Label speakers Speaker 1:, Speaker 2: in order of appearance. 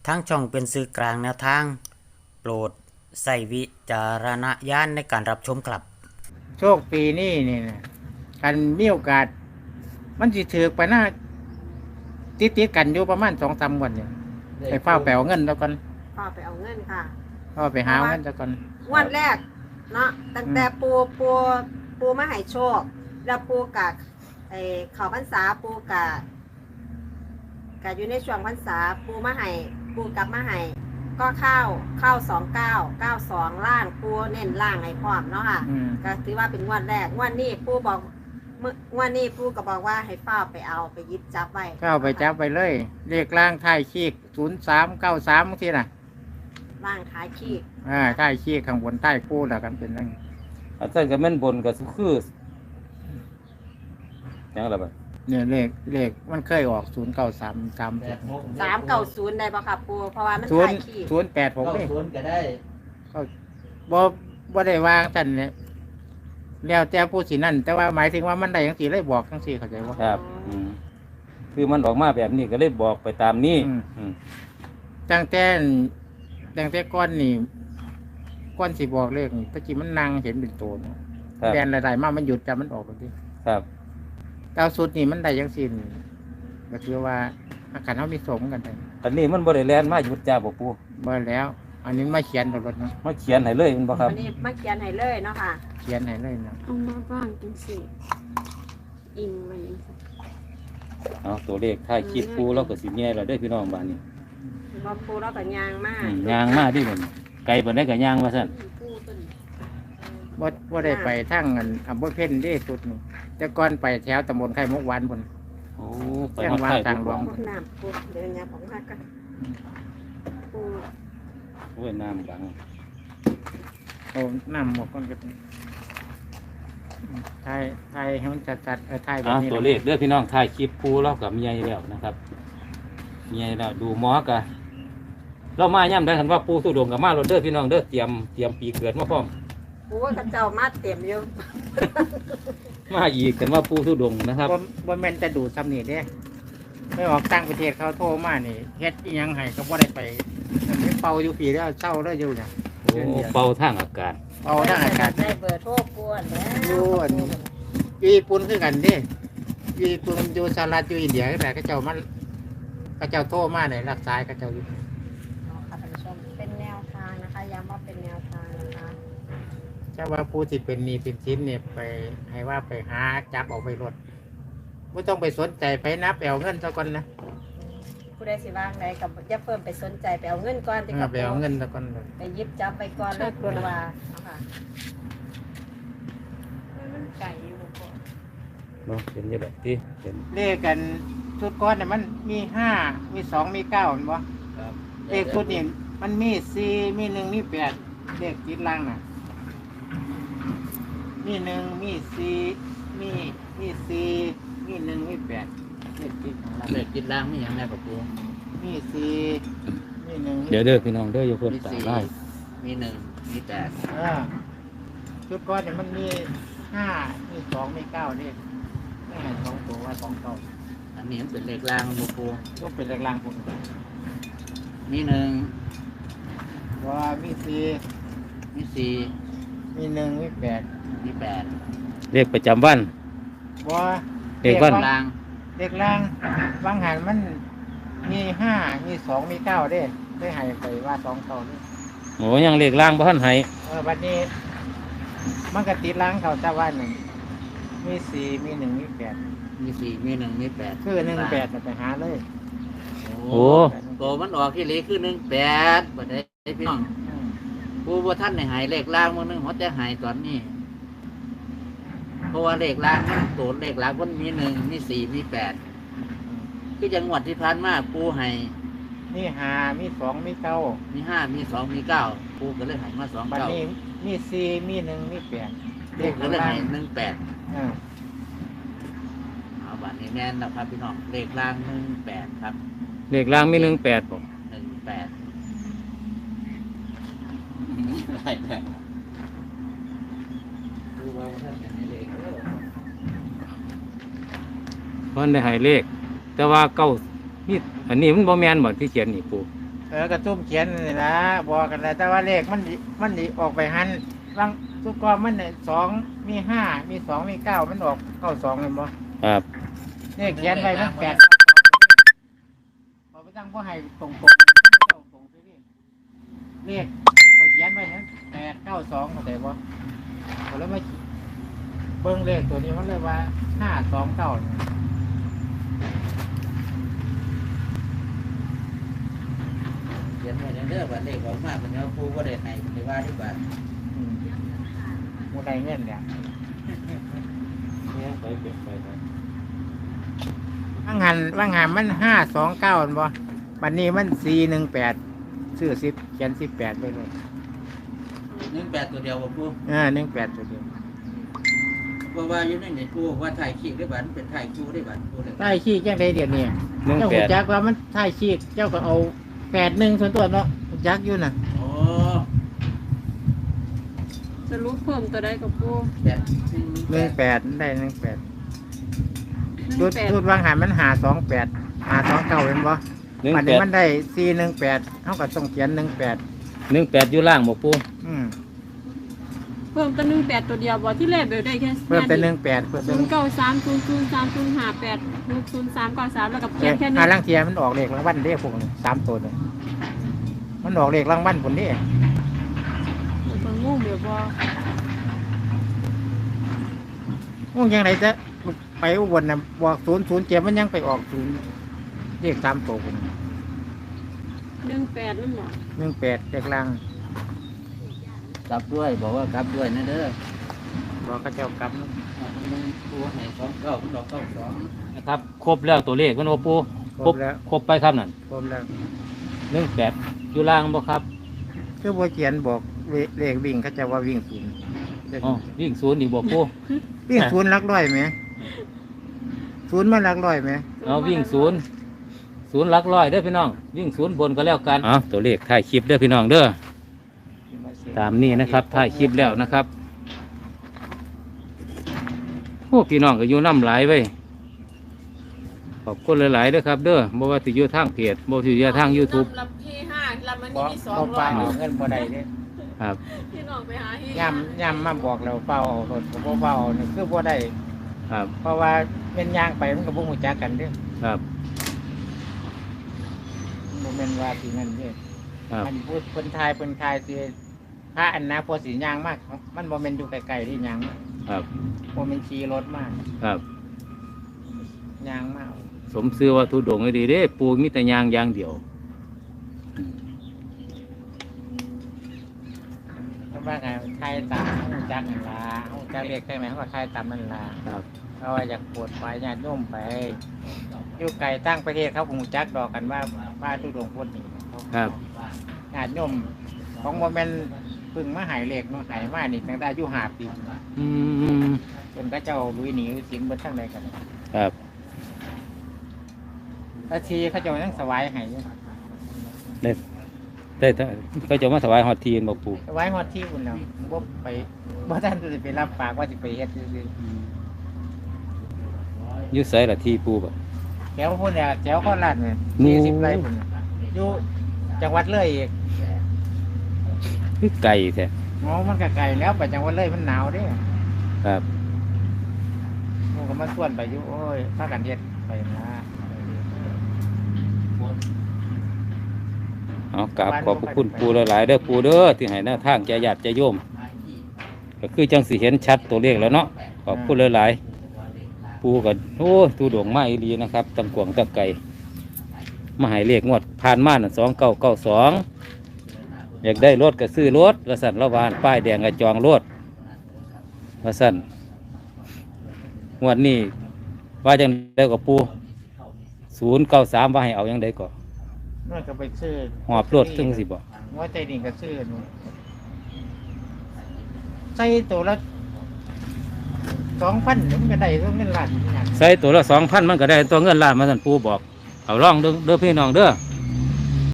Speaker 1: ทางช่องเป็นสื่อกลางแนวทางโปรดใส่วิจารณญาณในการรับชมครับ
Speaker 2: โชคปีนี้นี่นะกันมีโอกาสมันสิถือไปหน้าติดกันอยู่ประมาณ2-3 วันเนี่ยไปเฝ้าแปลเงินแล้วกัน
Speaker 3: พ่อไปเอาเงินค่ะ
Speaker 2: เฝ้าไปหาเงินแล้วกัน
Speaker 3: งวดแรกเนาะตั้งแต่ปูมาให้โชค แล้วปูกะเขาพรรษาปูกะอยู่ในช่วงพรรษาปูมาให้ปูกลับมาให้ก็เข้า2992ล่างปูเน้นล่างให้พร้อมเนาะค่ะก็ถือว่าเป็นงวดแรกงวดนี้ปูบอกงวดนี้ปูก็บอกว่าให้เฝ้าไปเอาไปยึดจับไว้
Speaker 2: เข้าไปจับไปเลยเลขล่างท้ายขีก0393บางทีน่ะ
Speaker 3: ล่างท้ายขีก
Speaker 2: ท้ายขีกข้างบนใต้ปูแล้วกันเป็นนั่น
Speaker 4: อาจารย์ก็แม่นบนก็คือยังล่ะบัด
Speaker 2: เนี่ยเลขมันเคยออก0933
Speaker 3: 390ได้ป่ะครับปูเพราะว่ามันท้ายขีก
Speaker 2: 086นี่
Speaker 5: 0ก็ได้
Speaker 2: ก็บ่ได้วางซั่นเนี่ยแล้วแต่ผู้สินั่นแต่ว่าหมายถึงว่ามันได้จังซี่เลยบอกจังซี่เข้าใจบ่
Speaker 4: ครับคือมันออกมาแบบนี้ก็เลยบอกไปตามนี้
Speaker 2: ตั้งแต่ก้อนนี่ก้อนสิบอกเลขนี่ตะกี้มันนั่งเห็นเป็นโตเนาะแบนหลายๆมามันหยุดจำมันออกไปดิ
Speaker 4: ครับ
Speaker 2: ดาวสุดนี่มันได้จังซี่ก็คือว่าอาการเฮามีสมกันได้
Speaker 4: อันนี้มันบ่ได้แล่นมาหยุดจ้าบ่ปู่
Speaker 2: บ่แล้วอันนี้มาเขียนรถเนาะ
Speaker 4: มาเขียนให้เลยมันบ่ครับ
Speaker 3: อันนี้มาเขียนให้เลยเนาะค่ะ
Speaker 2: เขียนให้เลยเนาะ
Speaker 6: เอามาบ้างจังสิอิงมัน
Speaker 4: เอาตัวเลขท้ายคลิปปู่เราก็สิแย่แล้วเด้อพี่น้องบ้านนี้
Speaker 3: บ่ปูเราก็ย่างมาก
Speaker 4: ย่างมาดิเพิ่นไกลบ่ได้ก็ย่างว่าซั่น
Speaker 2: บ่ได้ไปทางอำเภอเพ็ญเด้สุดนี่แต่ก่อนไปแถวตำบลไข่มุกหวานพุ่น
Speaker 4: โอ้ไปฮอดไข่ทางหลวง
Speaker 3: น้ำปูเดี๋ยวยาของฮักกันปู
Speaker 4: โอ้ยน้ำบัง
Speaker 2: โอ้น้ำหมดก่อนก็ไทยให้มันจัดไทยแบบนี้
Speaker 4: ตัวเลขเด้อพี่น้องถ่ายคลิปปู่เราก็มีใหญ่แล้วนะครับมีใหญ่แล้วดูหมอก็เรามาย่ำได้คันว่าปู่ทุดงกับมารถเด้อพี่น้องเด้อเตรียมปีเกิดมาพร้อม
Speaker 3: ปูว่าเจ้ามาเต็มอยู่
Speaker 4: มาอีกกันว่าปู่ทุดงนะครับ
Speaker 2: บ่แม่นจะดูซ้ำนี่เด้ไม่ออกต่างประเทศเขาโทรมานี่เฮ็ดอีหยังให้ก็บ่ได้ไปเป่าอยู่ปีแล้วเศร้าแล้วอยู่เนี่ย
Speaker 4: โอ้เป่าทางอากาศ
Speaker 2: เป่าทางอากาศ
Speaker 3: ได้เบอร์โทรปวนแล้ว
Speaker 2: อยู่ญี่ปุ่นคือกันเด้อยู่ญี่ปุ่นอยู่สหรัฐอยู่อินเดียแต่เขาเจ้ามันเขาเจ้าโทรมาเนี่ยรักษาเขาเจ้าอยู่
Speaker 3: ค่ะท่านผู้ชมเป็นแนวทางนะคะย้ำว่าเป็นแนวทางนะคะ
Speaker 2: ถ้าว่าผู้ที่เป็นหนี้เป็นสินเนี่ยไปให้ว่าไปหาจับออกไปรถไม่ต้องไปสนใจไปนับเอาเงินซะก่อนนะ
Speaker 3: ผู้ใดสิว่างใดกับอย่าเพิ่มไปสนใจไปเอาเงินก่อน
Speaker 2: ที่กับไปเอาเงินซะก่อน
Speaker 3: ไปยิบจับไปก่อนแล้วกลัวว่าค่ะ
Speaker 6: มันไก่อยู่บ่
Speaker 4: เนาะเป็นยังไงที่เป็น
Speaker 2: เลขกันชุดก้อนเนี่ยมันมี5มี2มี9เห็นบ่
Speaker 4: ครับ
Speaker 2: เลขชุดนี้มันมี4มี1มี8เลขติดล่างน่ะมี1มี4มี4มี1มี8เลขติดของเรา
Speaker 5: เลขติดล่างมีหยังแน่ปะปู่
Speaker 2: มี4มี1
Speaker 4: เดี๋ยวเด้อพี่น้องเด้ออย่าเพิ่นตาได้
Speaker 5: มี1มี8
Speaker 2: ชุดก้อนเนี่ยมันมี5มี2มี9เลขไม่ให้2ตัวว่า2เก้า
Speaker 5: อันนี้มันเป็นเลขล่างปะปู่
Speaker 2: ก็เป็นเลขล่างผม
Speaker 5: มี
Speaker 2: ว่ามี
Speaker 5: 4มี4
Speaker 2: มี1มี8
Speaker 5: มี
Speaker 4: เลขประจำวัน
Speaker 2: ว่า
Speaker 4: เลขวัน
Speaker 5: ล่าง
Speaker 2: เลขล่างบางหันมันมี5มี2มี9เด้ได้ให้ไปว่า2เก้านี่
Speaker 4: โอ้ยังเลขล่างบ่ทันให้
Speaker 2: บัดนี้มันก็ติดล่างเขาแต่ว่า1มี4มี1มี8
Speaker 5: มี4มี1มี8
Speaker 2: คือ18ไปหาเลย
Speaker 4: โอ้
Speaker 5: ตัวมันออกที่เลขคือ18บ่ได้พี่น้องปู่บ่ทันได้หายเลขล่างมื้อนึงเฮาจะหายตอนนี้เพราะว่าเลขล่างมันตัวเลขล่างมันมี1มี4มี8คือจังหวัดที่ผ่านมาปู่ให้
Speaker 2: มี5มี2มี9
Speaker 5: มี5มี2มี9ปู่ก็เลยให้มา2 9บัดนี้
Speaker 2: มี4มี1มี8
Speaker 5: เลขก็เลยให้18เอาบัดนี้แม่นแล้วครับพี่น้องเลขล่าง18ครับ
Speaker 4: เลขล่างมี18บ่
Speaker 5: 18ได้ดูว่าท่านให้เลข
Speaker 4: เพิ่นได้ให้เลขแต่ว่าเก้านี่อันนี้มันบ่แม่นบ่ที่เขียนนี่ปู่
Speaker 2: กระตุ้มเขียนนี่นะบอกกันแล้วแต่ว่าเลขมันออกไปหันบางทุกกองมันเนี่ย2มี5มี2มี9มันออก92เลยบ่
Speaker 4: ครับ
Speaker 2: เลขเขียนไว้มัน8พอไปตั้งบ่ให้ตรงเลขพอเขียนไว้นั้น892เข้าใจบ่พอแล้วมาเบิ่งเลขตัวนี้มันเลยว่า529
Speaker 5: เขียนไว้เด้อบัดเลขออกมาเป็นเอาปูบ่ได้ให้ในว่าที่บัด
Speaker 2: บ่ได้เงินเนี่ย
Speaker 4: เนี่ยไปเก็บไปครับ
Speaker 2: ว่างหันมัน529บ่บัดนี้มัน418ซื้อ10เขียน18ไปเลย
Speaker 5: 18ตัวเดียวบ่ปู
Speaker 2: 18ตัวเดียว
Speaker 5: เพราะว่าอยู่ในนี่ปูว่าถ่ายคลิปได้บัดเป็นถ่ายคิวได้บัดปูเลย
Speaker 2: ใต้ขี้จังไดเดี๋ยวนี้เจ้าหูจักว่ามันใต้ขี้เจ้าก็เอา81ส่วนตัวเนาะหูจักอยู่น่ะ
Speaker 5: โอ้
Speaker 6: สรุปเพิ่มตัวใดกับปู
Speaker 2: 18ได้18จุดวางหันมัน528 529เห็นบ่ อันนี้มันได้418เฮาก็ต้องเขียน18
Speaker 4: 18อยู่ล่างบ่ปู
Speaker 6: เพิ่มตัว18ตัวเดียวบ่ที่แรกเบลได้แค่
Speaker 2: เพิ่มเป็น18เพิ่มเป็น
Speaker 6: 09300305860393แล้วกับเพียงแค่นี้
Speaker 2: ลังเทียมันออกเลขรางวัลเด้พวกนี้3ตัวนี่มันออกเลขรางวัลพุ่นนี่
Speaker 6: เพิ่นงงเดี๋ยวบ่
Speaker 2: งงจังไดจะไปอุบลน่ะบอก007มันยังไปออก0เลข3ตัวพุ่น
Speaker 6: 18นั่นบ่
Speaker 2: 18เลขล่าง
Speaker 5: กลับด้วยบอกว่ากลับด้วยนะเด้อ
Speaker 2: บอกเขาเจ้ากลับ
Speaker 5: ปูให้29มันดอก92
Speaker 4: นะครับครบแล้วตัวเลขมันบ่ปู
Speaker 2: ครบแล้ว
Speaker 4: ครบไปครับนั่น
Speaker 2: ครบแล้ว
Speaker 4: 18อยู่ล่างบ่ครับ
Speaker 2: คือบ่เขียนบอกเลขวิ่งเขาจะว่าวิ่งศูนย์
Speaker 4: อ๋อวิ่ง0อีกบ่ปู
Speaker 2: วิ่งศูนย์หลักร้อยไหมศูนย์มาหลักร้อยไหม
Speaker 4: เอาวิ่ง0หลักร้อยเด้อพี่น้องวิ่ง0บนก็แล้วกันอ๋อตัวเลขถ่ายคลิปเด้อพี่น้องเด้อตามนี้นะครับถ่ายคลิปแล้วนะครับพวกพี่น้องก็อยู่น้ำหลายไว้ขอบคุณหลายๆเด้อครับเด้อบ่ว่าสิอยู่ทางเพจบ่ว่าสิอยู่ทาง YouTube
Speaker 6: ลำที่5ลำมัน
Speaker 2: บ่
Speaker 6: มี
Speaker 2: เอาไปเอาเงินบ่ได้เด้
Speaker 4: ครับ
Speaker 6: พี่น้องไปหาเฮ็ด
Speaker 2: ย่ำมาบอกเราเฝ้าเอารถก็บ่เฝ้านี่คือบ่ได้
Speaker 4: ครับ
Speaker 2: เพราะว่าเป็นย่างไปมันก็บ่ฮู้จักกันเด้
Speaker 4: ครับ
Speaker 2: บ่แม่นว่าสินั่นเด้
Speaker 4: ครับ
Speaker 2: มันพูดเพิ่นทายสิพระอันนะพอสิย่างมากมันบ่แม่นอยู่ไกลๆที่ย่างมา
Speaker 4: ครับ
Speaker 2: บ่แม่นขี่รถมาก
Speaker 4: ครับ
Speaker 2: ย่างมาก
Speaker 4: สมซื้อว่าทุดงให้ดีเด้ปูมีแต่ยางอย่างเดียว
Speaker 2: เพราะว่าไงทายตามฮู้จักนั่นล่ะฮู้จักเลขใช่ไหมเขาก็ทายตามนั่นล่ะ
Speaker 4: ครับ
Speaker 2: เพราะว่าอยากปวดไปญาติโยมไปอยู่ไกลตั้งประเทศเขาคงจักดอกกันว่าทุดงพุทธนี่เขา
Speaker 4: ครับ
Speaker 2: ญาติโยมของโมเมนเพึ่งมาหายเหล็กเนาะหายมานี่ตั้งแต่อายุ5 ปี
Speaker 4: อืม
Speaker 2: เป็นพระเจ้าลุยหนีสิงเบิดทั้งใดกัน
Speaker 4: ครับ
Speaker 2: พระชีเขาเจ้ายังสวายให้อยู่
Speaker 4: ได้ก็จะมาถวายฮอดทีนบอกปู
Speaker 2: สวายฮอดที่อุ่นแล้วบ่ไปบ่ท่านจะไปรับปากว่าสิไปเฮ็ดซื่อ
Speaker 4: อยุ่ใส่ละทีปูบ่
Speaker 2: ๆแถวพุ่นเนี่ยแถวโคราชเนี่ย
Speaker 4: โอ้
Speaker 2: 40 ไร่พุ่นน่ะอยู่จังหวัดเลยอีก
Speaker 4: คือไก่แท้
Speaker 2: อ๋อมันก็ไกลแล้วไปจังหวัดเลยมันหนาวเด้
Speaker 4: ครับ
Speaker 2: มันก็มาส่วนไปอยู่โอ้ยพากันเฮ็ดไปนะ
Speaker 4: เอากราบขอบพระคุณปูหลายๆเด้อปูเด้อที่ให้แนวทางแก่ญาติแก่โยม ก็คือจังสิเห็นชัดตัวเลขแล้วเนาะขอบคุณหลายๆปูกันโอ้ตูดวงมาอีหลีนะครับตังกวงตังไก่มาให้เลขงวดผ่านมาน่ะ2992อยากได้รถก็ซื้อรถละสั่นละวานป้ายแดงก็จองรถละสั่นงวดนี้ว่าจังได้กับปู093ว่าให้เอายังได้ก็
Speaker 2: นั่นก็ไปซื้อ
Speaker 4: หอบรถถึงสิบ่
Speaker 2: ว่าใจดิ่งก็ซื้อนู่นใส่ตัวละ2,000มันก็ได้ตัวเงินล้านอย่าง
Speaker 4: ใส่ตัวละ2,000มันก็ได้ตัวเงินล้านมาสั่นปูบอกเอาลองเด้อพี่น้องเด้อ